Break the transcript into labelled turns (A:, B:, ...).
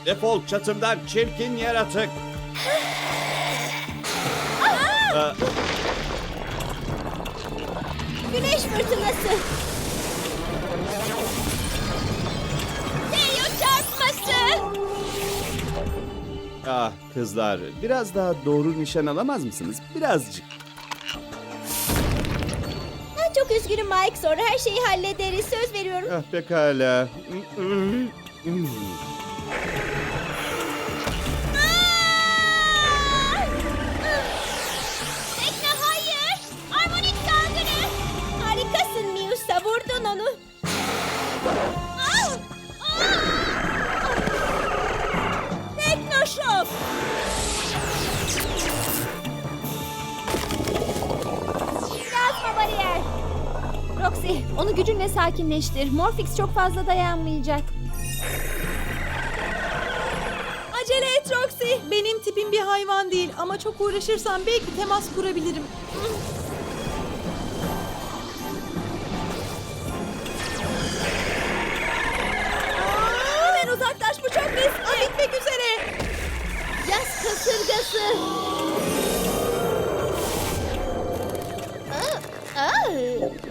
A: Defol çatımdan çirkin yaratık.
B: Güneş fırtınası. Deyo çarpması.
A: Ah kızlar, biraz daha doğru nişan alamaz mısınız? Birazcık.
B: Çok üzgünüm Mike. Sonra her şeyi hallederiz. Söz veriyorum.
A: Ah pekala.
B: Tekne hayır. Armonik saldırı. Harikasın Miusa. Vurdun onu. Teknoşok. Yazma bariyer.
C: Roxy, onu gücünle sakinleştir. Morphix çok fazla dayanmayacak.
D: Acele et Roxy. Benim tipim bir hayvan değil ama çok uğraşırsam belki temas kurabilirim. Hemen uzaklaş, bu çok riskli. Bitmek üzere.
B: Yaz kasırgası. Aa, aa.